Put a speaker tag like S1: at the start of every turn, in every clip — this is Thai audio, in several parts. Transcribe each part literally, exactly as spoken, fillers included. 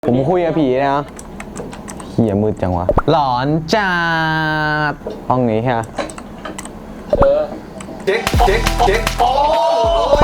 S1: ผมคุยกับผีนะเหี้ยมืดจังวะหลอนจัดห้องนี้ฮะ
S2: เออ
S3: เจ๊กเจ๊กเจ๊กโอ้ย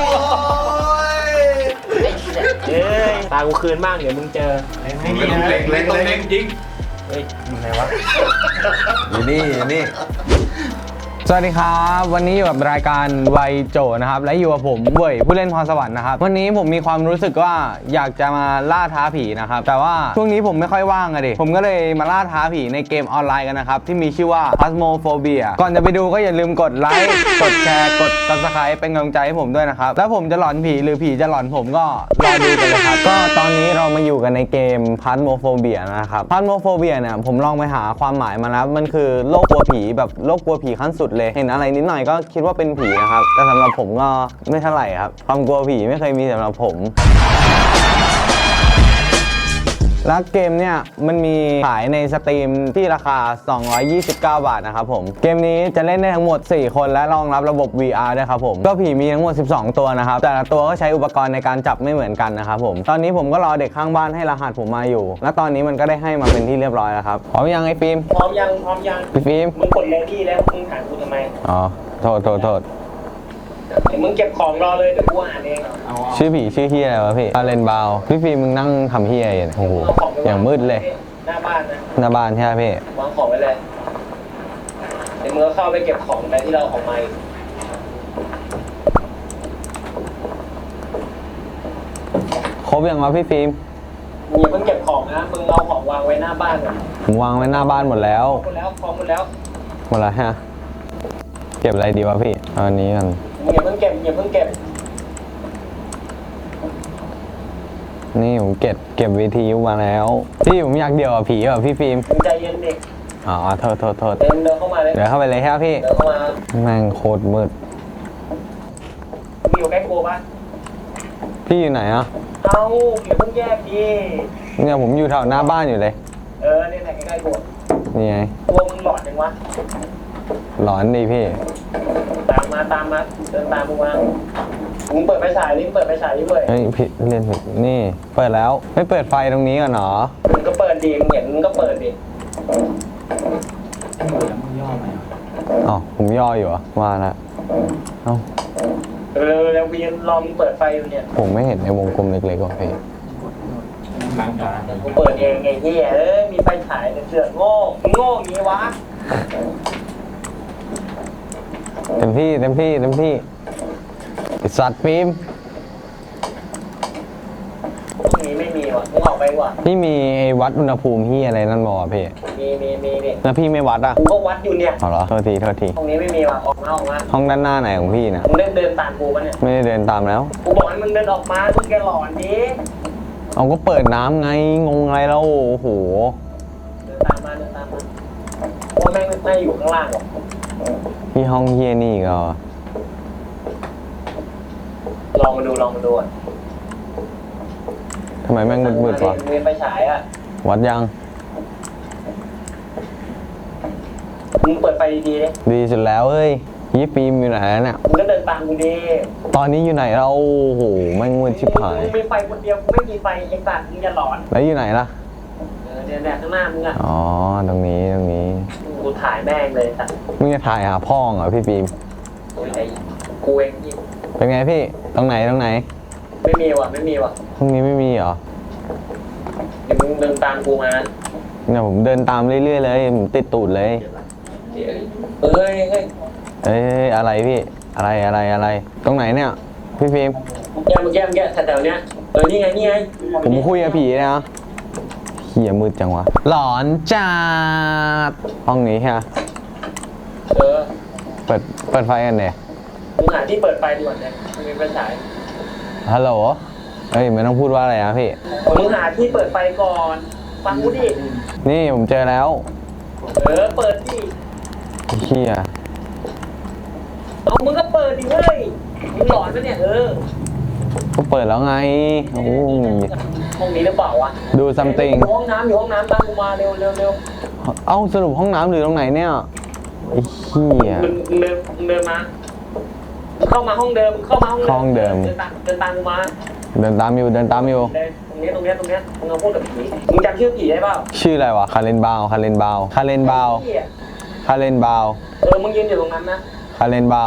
S2: เฮ้ยตากูคืนบ้างเดี๋ยวมึงเจอ
S3: เล็กเล็กเล็กต้องเล็กจริง
S2: เฮ้ยอยู่ไหนวะ
S3: อยู่นี่อยู่นี่
S1: สวัสดีครับวันนี้อยู่กับรายการวัยโจนะครับและอยู่กับผมเว่ยผู้เล่นพรสวรรค์นะครับวันนี้ผมมีความรู้สึกว่าอยากจะมาล่าท้าผีนะครับแต่ว่าช่วงนี้ผมไม่ค่อยว่างอะดิผมก็เลยมาล่าท้าผีในเกมออนไลน์กันนะครับที่มีชื่อว่า Phasmophobia ก่อนจะไปดูก็อย่าลืมกดไลค์กดแชร์กด ซับสไครบ์ เป็นกำลังใจให้ผมด้วยนะครับแล้วผมจะหลอนผีหรือผีจะหลอนผมก็รอดูกันเลยครับก็ตอนนี้เรามาอยู่กันในเกม Phasmophobia นะครับ Phasmophobia เนี่ยผมลองไปหาความหมายมาแล้วมันคือโรคกลัวผีแบบโรคกลัวผีขั้นสุดเห็นอะไรนิดหน่อยก็คิดว่าเป็นผีนะครับแต่สำหรับผมก็ไม่เท่าไหร่ครับความกลัวผีไม่เคยมีสำหรับผมแล้วเกมเนี่ยมันมีขายในสตรีมที่ราคาสองร้อยยี่สิบเก้าบาทนะครับผมเกมนี้จะเล่นได้ทั้งหมดสี่คนและรองรับระบบ วี อาร์ ด้วยครับผมก็ผีมีทั้งหมดสิบสองตัวนะครับแต่ละตัวก็ใช้อุปกรณ์ในการจับไม่เหมือนกันนะครับผมตอนนี้ผมก็รอเด็กข้างบ้านให้รหัสผมมาอยู่และตอนนี้มันก็ได้ให้มาเป็นที่เรียบร้อยแล้วครับพร้อมยังไอ้ฟิล์ม
S2: พร้อมยังพร้อมยัง
S1: พี่ฟิล์ม
S2: มึงกดเลดี้แล้วมึงถามกูทำไม
S1: อ๋อโทษโทษโทษ
S2: เดี๋ยวมึงเก็บของรอเลยเดี๋ยวกูอ่านเอง
S1: ชื่อผีชื่อเฮียอะไรวะพี่อาเลนบาวพี่ฟิล์มมึงนั่งทำเฮียอย่างโอ้โหอย่างมืดเลย
S2: หน้าบ้านนะ
S1: หน้าบ้านใช่ไหมพี่
S2: วางของไว้เลยเดี๋ยวมึงก็เข้าไปเก็บของไปที่เราออกมา
S1: ครบยังวะพี่ฟิล์ม
S2: มึงอย่าเพิ่งเก็บของนะมึงเอาของวางไว้หน้าบ้านก่อน
S1: ผมวางไว้หน้าบ้านหมดแล้ว
S2: หมดแล้วของหมดแล้ว
S1: หมดแล้วฮะเก็บอะไรดีวะพี่เอาอันนี้กัน
S2: มึงอย่าเพิ่งเก็บอย่าเพิ่งเก็บ
S1: นี่ผมเก็บเก็บวิทยุมาแล้วพี่ผมอยากเดี่ยวกับผีแบบพี่ฟิล์ม
S2: ใจเย็นเด็ก
S1: อ๋อโทษโทษโทษ
S2: เดินเดินเข้ามาเลย
S1: เดี๋ยวเข้าไปเลยครับพี่
S2: เดินเข้ามา
S1: แม่งโคตรมืด
S2: มึงอยู่ใกล้กูปะ
S1: พี่อยู่ไหนอ่ะ
S2: เอาอย่าเพิ่งแยกดิ
S1: เนี่ยผมอยู่แถวหน้าบ้านอยู่เลย
S2: เออเนี่ยไหนใกล้ๆกู
S1: นี่ไง
S2: ตัวมึงหลอนยังวะ
S1: หลอนดีพี่
S2: ตามมาตามมาเดินตามมึงมามึงเปิดไฟฉายนี่เปิดไฟฉายนี่เว้ย
S1: เฮ้ยพี่เล่นนี่เปิดแล้วไม่เปิดไฟตรงนี้กันหรอ
S2: มึงก็เปิดดิมึงเห็นมึงก็เปิดดิ
S1: อ๋อผมย่ออยู่อ่ะว่าแล้วเอ้า
S2: เร็วๆเร็วพี่ลองเปิดไฟอยู่เนี่ย
S1: ผมไม่เห็นในวงกลมเล็กๆของพี่
S2: กูเปิดเองไงเฮียเอ้ยมีไฟฉายแต่เสือกโง่โง่งี้วะ
S1: เต็มที่เต็มที่เต็มที่สัตว์ฟิล์ม
S2: พวกนี้ไม่มีว่ะมึงออกไปว่ะ
S1: พี่มีวัดอุณหภูมิที่อะไรนั่นบอกพี่
S2: มีมีมีดิ
S1: แล้วพี่ไม่วัดอ่ะ
S2: กูก็วัดอยู่เนี่ย
S1: เอาเหรอโทษทีโทษที
S2: ห้องนี้ไม่มีว่ะออกมาออกมา
S1: ห้องด้านหน้าไหนของพี่นะ
S2: มึงเดินเดินตามกูปะเนี่ย
S1: ไม่ได้เดินตามแล้ว
S2: กูบอกให้มึงเดินออกมามึงแกหลอนดิ
S1: เอาก็เปิดน้ำไงงงอะไรแล้วโอ้โห
S2: เดินตามมาเดินตามมาเพราะแม่งไม่อยู่ข้างล่างหรอก
S1: พี่ห้องเฮียนี่ก็
S2: ลองมาดูลองมาดูอ่ะ
S1: ทำไมแม่งมืดๆวะ
S2: มีไฟฉายอ่ะ
S1: วัดยัง
S2: มึงเปิดไฟดีๆเลย
S1: ดีสุดแล้วเอ้ยยี่ปีมอยู่ไหนเนี่ย
S2: มึงก็เดินตามกูดิ
S1: ตอนนี้อยู่ไหนเราโอ้โหแม่งมืดชิบหาย
S2: มึงมีไฟคนเดียวกูไม่มีไฟไอ้สัตว์มึงจะหลอน
S1: แล้วอยู่ไหนล่ะ
S2: เออเนี่ยเนี่ยข้างหน้ามึงอ่ะ
S1: อ๋อตรงนี้ตรงนี้
S2: กูถ่ายแม่งเลยสัตว์
S1: มึงจะถ่ายหาพ่อเหรอพี่ปีม
S2: ไอ้กูเองพี่
S1: เป็นไงพี่ตรงไหนตรงไหน
S2: ไม่มีว่ะไม่มีว่ะ
S1: ห้องนี้ไม่มีเหรอ
S2: เดี๋ยวมึงเดินตามกูมา
S1: เนี่ยผมเดินตามเรื่อยๆเลยผมติดตูดเลย
S2: เฮ้ยเฮ้ย
S1: เอ้ยอะไรพี่อะไรอะไรอะไรตรงไหนเนี่ยพี่ฟิล์ม
S2: แก้มแก้มแก้มแถวๆเนี้ยเออนี่ไงนี่ไง
S1: ผมคุยกับผีนะเหี้ยมืดจังวะหลอนจัดห้องนี้ฮะ
S2: เออ
S1: เปิดเปิดไฟกันเนี่ย
S2: มึงหาที่เปิดไฟดีกว่าเนี่ยมึงมีไฟฉาย
S1: ฮัลโหลเฮ้ยไม่ต้องพูดว่าอะไรนะพี่
S2: มึงหาที่เปิดไฟก่อนฟังกูดิ
S1: นี่ผมเจอแล้ว
S2: เออเปิดดิ
S1: เหี้ย
S2: เอามึงก็เปิดดิเว้ยมึงหลอนปะเนี่ยเออ
S1: ก็เปิดแล้วไงโอ้
S2: ห้องนี้หรือเปล่าวะ
S1: ดูซัมติง
S2: ห้องน้ำอยู่ห้องน้ำตามกูมาเร็วเร็วเร็ว
S1: เอ้าสรุปห้องน้ำหรือตรงไหนเนี่ยไอ้เหี้ย
S2: มึงเดินเดินมาเข้ามาห้องเดิมเข้ามาห้อง
S1: เดิม
S2: เดินตามเดินตามกูมา
S1: เดินตามอยู่เดินตามอยู่
S2: ตรงนี้ตรงนี้ตรงนี้มึงเอาพูดกับผีมึงจำชื่อผีได้เปล่า
S1: ชื่ออะไรวะคาเลนบาวคาเลนบาวคาเลนบาว
S2: เหี้ย
S1: คาเลนบาว
S2: เออมึงยืนอยู่ตรงนั้นนะ
S1: คาเลนบาว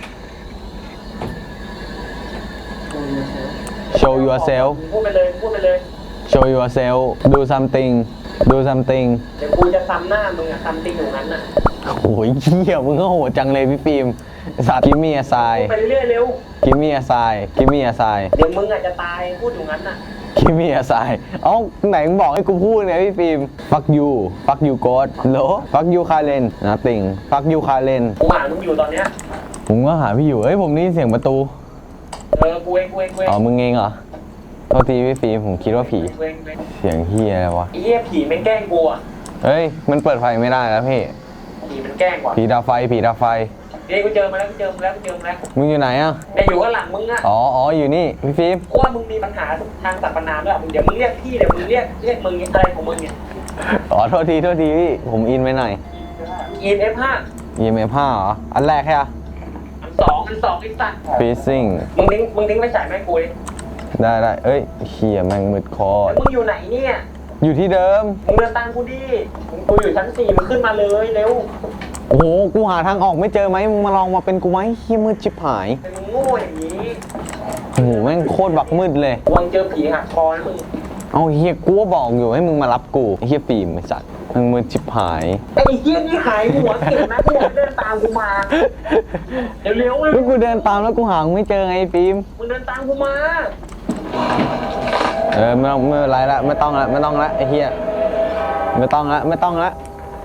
S1: show yourself
S2: พูดไปเลยพูดไปเลย
S1: show yourself do something do something
S2: เดี๋ยวกูจะซ้ำหน้ามึงอะซ้ำติงอยู่นั้นน่ะ
S1: โอ้ยเหี้ยมึงก็โหดจังเลยพี่ฟิล์มสัตว์กิมมี่อาไซ
S2: พูดไปเรื่อยๆเร็ว
S1: กิมมี่อาไซกิมมี่อาไซ
S2: เดี๋ยวมึงอาจจะตายพูดอยู่งั้นน่ะ
S1: กิมมี่อาไซเอ้าไหนมึงบอกให้กูพูดไงพี่ฟิล์ม fuck you fuck you god โหล fuck you คาเลน nothing fuck you คาเลน
S2: กูหามึงอยู่ตอนเนี้ย
S1: ผมก็หาพี่อยู่เอ้ยผมได้ยินเสียงประตู
S2: เออกูเองกูเองกูเอง
S1: อ๋อมึงเองเหรอโทษทีพี่ฟิล์มผมคิดว่าผี
S2: กูเองกูเอง
S1: เสียงเฮียอะไรวะ
S2: ไอ้เหี้ยผีมันแกล้งกูอะ
S1: เฮ้ยมันเปิดไฟไม่ได้แล้วพี่
S2: ผีมันแกล้งกว่า
S1: ผีดับไฟผีดับไฟ
S2: เดี๋ยวกูเจอมาแล้วกูเจอมาแล้วกูเจอมาแล้ว
S1: มึงอยู่ไหนอ่ะ
S2: แต่อยู่ข้างหลังมึงอะ
S1: อ๋ออ๋ออยู่นี่พี่ฟิล์ม
S2: กูว่ามึงมีปัญหาทางสรรพนามด้วยมึงเดี๋ยวมึงเรียกพี่เดี๋ยวมึงเรียกเรียกมึงอะไรของมึงเนี่ย
S1: อ๋อโทษทีโทษทีพี่ผมอินไปหน่อย
S2: อีเอฟห้า
S1: อี เอ็ม เอฟ ห้าเหรออันแรกแค่
S2: อันสองอันสองไอ้สัตว์
S1: freezing
S2: มึงทิ้งมึงทิ้งไปจ่ายแม่กูดิ
S1: ได้ได้เอ้ยเฮียแม่งมืดคอ
S2: แล้วมึงอยู่ไหนเนี่ย
S1: อยู่ที่เดิม
S2: มึงเดินตามกูดิมึงกูอยู่ชั้นสี่มึงขึ้นมาเลยเร็ว
S1: โอ้โหกูหาทางออกไม่เจอไหมมึงมาลองมาเป็นกูไหมเฮียมืดชิบหาย
S2: เป็นมึงโง่อย่างนี้
S1: โอ้โหแม่งโคตรบักมืดเลย
S2: วังเจอผีหักคอนะมึง
S1: เอาเฮียกูก็บอกอยู่ให้มึงมารับกูไอ้เฮียฟิล์มไอ้สัตว์แม่งมืดชิบหาย
S2: ไอ้เหี้ยนี่หายหัวเก่งนะกูบอกให้เดินตามกูมาเร็วเร็วๆเลย
S1: แล้วกูเดินตามแล้วกูหามึงไม่เจอไงไอ้ฟิล์ม
S2: มึงเดินตามกูมา
S1: เออไม่ต้องไม่เป็นไรละไม่ต้องละไม่ต้องละไอ้เฮียไม่ต้องละไม่ต้องละ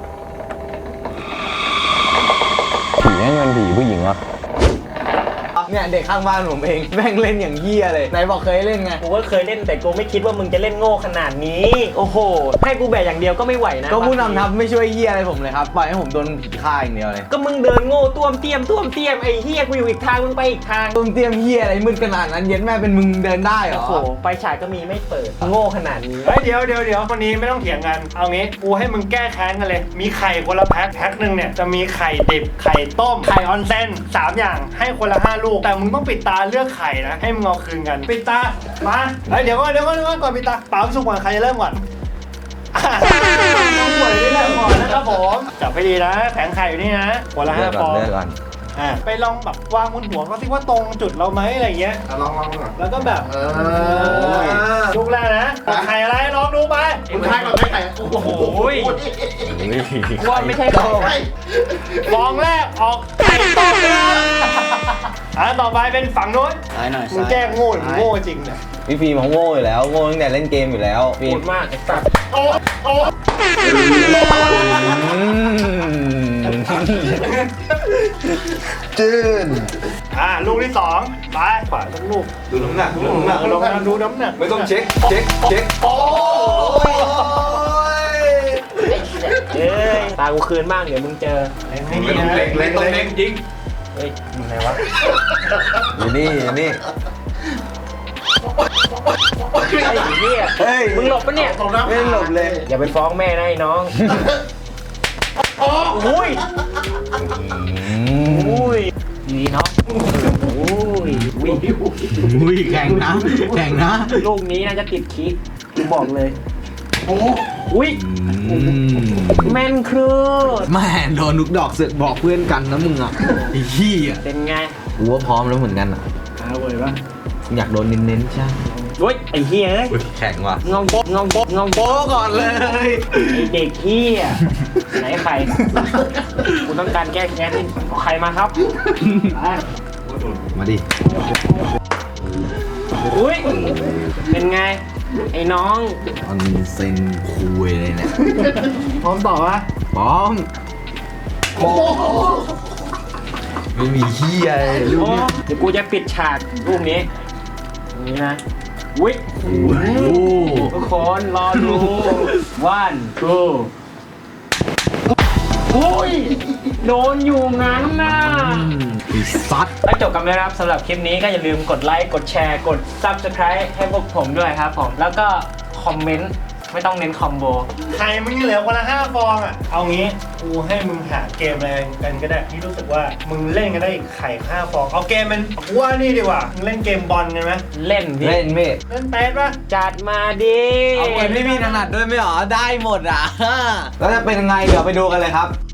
S1: ผีแม่งเป็นผีผู้หญิงวะเนี่ยเด็กข้างบ้านผมเองแม่งเล่นอย่างเฮียเลยไหนบอกเคยเล่นไง
S4: กูก็เคยเล่นแต่กูไม่คิดว่ามึงจะเล่นโง่ขนาดนี้ โอ้โห ให้กูแบกอย่างเดียวก็ไม่ไหวนะ
S1: ก็ผู้นำทัพไม่ช่วยเฮียอะไรผมเลยครับปล่อยให้ผมโดนผีฆ่าอย่างเดียวเลย
S4: ก็มึงเดินโง่ต้วมเตี้ยมต้วมเตี้ยมไอ้เฮียกูอยู่อีกทางมึงไปอีกทาง
S1: ต้มเตรียมเฮียอะไรมืดขนาดนั้นเย็นแม่เป็นมึงเดินได้เหร
S4: โอ้
S1: อ
S4: โหไฟฉายก็มีไม่เปิดโง่ขนาดนี้
S5: เฮ้ยเดี๋ยวเดี๋ยวเดี๋ยววันนี้ไม่ต้องเถียงกัน เอางี้กูให้มึงแก้แค้นกันเลย มีไข่คนละแพ็คแพ็คหนึ่งเนี่ยจะมีไข่ดิบไข่ต้มไข่ออนเซนสามอย่างให้คนละห้าลูกแต่มึงต้องปิดตาเลือกไข่นะให้มึงเอาคืนกันปิดตามาเฮ้ยเดี๋ยวก่อนเดี๋ยวก่อนเดี๋ยวก่อนก่อนปิดตาเปล่าสุกก่อนใครจะเริ่มก่อนอ่ะน้องหวยได้เริ่มก่อนนะครับผมจับให้ดีนะแผงไข่อยู่นี่นะคนละห้าฟอง
S1: เลือกก่อน
S5: อ่ะไปลองแบบวางบนหัวเขาสิว่าตรงจุดเราไหมอะไรอย่างเงี้ย
S3: ลองลองก่อน
S5: แล้วก็แบบ
S3: เออ
S5: ลูกแรกนะไข่อะไรลองดูไป
S3: คุณทายก่อนไม่ไข่โอ้โห
S4: ว่าไม่ใช่ไข่
S5: ฟองแรกออกไข่ต้มนะครับอ่ะต่อไปเป็นฝั่งนู้น
S1: ซ้ายหน่อย
S5: มึงแกล้งโง่หรือโง่จริงเนี่ย
S1: พี่ฟิล์มเขาโง่อยู่แล้วโง่ตั้งแต่เล่นเกมอยู่แล้วฟิล์
S2: พู
S1: ม
S2: ดมากไอ้สัตว์
S5: โอ้โอ้
S1: จืน
S5: อ่ะลูกที่สองไปขวาสักลูก
S3: ดูน้ำหนักดูน้ำหนัก
S5: ลองมาดูน้ำหนัก
S3: ไม่ต้องเช็คเช็คเช็คโอ้ย
S4: เอ้ยตากูคืนบ้างเดี๋ยวมึงเจอ
S5: ไม่ดี
S3: ไม่ต้อง
S5: นะ
S3: เล็งเล็งต้องเล็งจริง
S4: เฮ้ยอยู่ไหนวะ
S1: อยู่นี่อยู่นี่
S4: ไอ้เหี้ย
S1: เฮ้ย
S4: มึงหลบปะเนี่ย
S1: ไม่หลบเลย
S4: อย่าไปฟ้องแม่นะไอ้น้องอุ้ยอุ้ยนี่เนาะอุ้ยอุ้ย
S1: อุ้ยแข่งนะแข่งนะ
S4: ลูกนี้น่าจะติดคิกกูบอกเลยอุ้ยแม่นครูด
S1: แม่โดนลูกดอกเสือกบอกเพื่อนกันนะมึงอ่ะไอ้ขี้อ่ะ
S4: เป็นไง
S1: กูว่าพร้อมแล้วเหมือนกันอ่ะ
S4: เอาเว้ยปะ
S1: อยากโดนเน้นๆใช่
S4: โอ้ยไอ้เหี้ยเอ้ย
S1: แข่งว่ะ
S4: งงโป๊ะงงโป๊ะงงโป๊ะ
S1: ก่อนเลย
S4: ไอ้เด็กเหี้ยไหนใครกูต้องการแก้แค้นเอาใครมาครับไป
S1: มาดิ
S4: อุ้ยเป็นไงไอ้น้อง
S1: ออนเซนคุยเลยเนี่ย
S4: พร้อมต่อปะ
S1: พร้อมไม่มีเฮียเลยลูก
S4: โอ้
S1: นี้
S4: เดี๋ยวกูจะปิดฉากรูปนี้ตรงนี้นะอุ้ย
S1: โอ้โห
S4: ทุกคนรอดูวันทูอุ้ยโดนอยู่งั้นน่ะ
S1: ไอ้ซัด
S4: แล้วจบกันแล้วนะครับสำหรับคลิปนี้ก็อย่าลืมกดไลค์กดแชร์กด ซับสไครบ์ ให้พวกผมด้วยครับผมแล้วก็คอมเมนต์ไม่ต้องเน้นคอมโบ
S5: ไข่มึงเหลือคนละห้าฟองอ่ะ เอางี้กูให้มึงหาเกมอะไรกันก็ได้ที่รู้สึกว่ามึงเล่นกันได้อีกไข่ห้าฟอง เอาเกมมันกูว่านี่ดีกว่ามึงเล่นเกมบอลกันไหม
S4: เล่นพี่
S1: เล่นพี่
S5: เล่นเตะปะ
S4: จัดมาดิ
S1: เอาเกมที่พี่ถนัดด้วยไม่หรอได้หมดอ่ะ แล้วจะเป็นยังไงเดี๋ยวไปดูกันเลยครับ